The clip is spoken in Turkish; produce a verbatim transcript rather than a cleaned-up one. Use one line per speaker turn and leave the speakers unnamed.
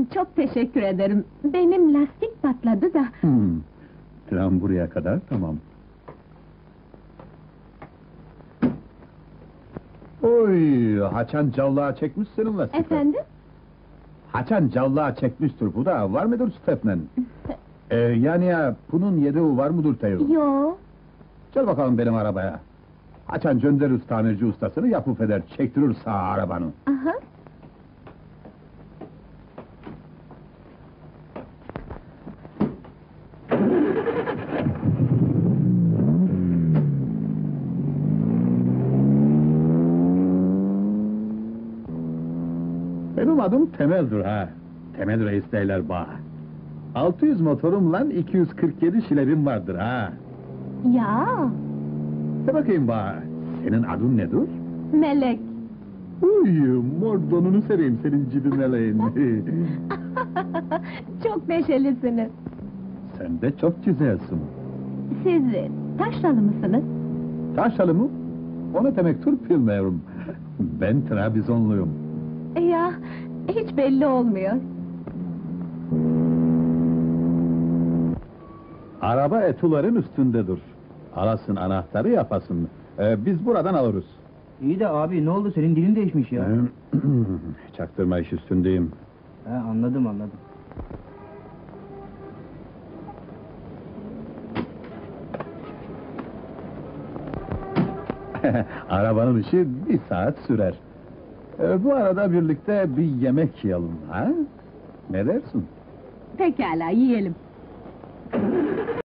Çok teşekkür ederim. Benim lastik patladı da.
Hmm. Tren buraya kadar, tamam. Oy, haçan callığa çekmiş senin lastiği.
Efendim?
Haçan callığa çekmiştir bu da, var mıdır Stepnen? ee, yani ya, bunun yedeği var mıdır Teo?
Yo.
Gel bakalım benim arabaya. Haçan gönderir tamirci ustasını, yapıp eder, çektirir sağ arabanı.
Aha.
Benim adım Temel'dir ha. Temel Reis derler bana. altı yüz motorumla iki yüz kırk yedi şilebim vardır ha.
Ya.
De bakayım bana, senin adın nedir?
Melek.
Uy, mordonunu seveyim senin cibi meleğin.
Çok neşelisiniz.
Sen de çok güzelsin.
Siz Taşralı mısınız?
Taşralı mı? O ne demektir bilmiyorum. Ben Trabzonluyum.
Ya, hiç belli olmuyor.
Araba etuların üstündedir. Alasın anahtarı yapasın. Ee, biz buradan alırız.
İyi de abi ne oldu senin dilin değişmiş ya.
Çaktırma iş üstündeyim.
He anladım anladım.
Arabanın işi bir saat sürer. Ee, bu arada birlikte bir yemek yiyelim, ha? Ne dersin?
Pekala, yiyelim.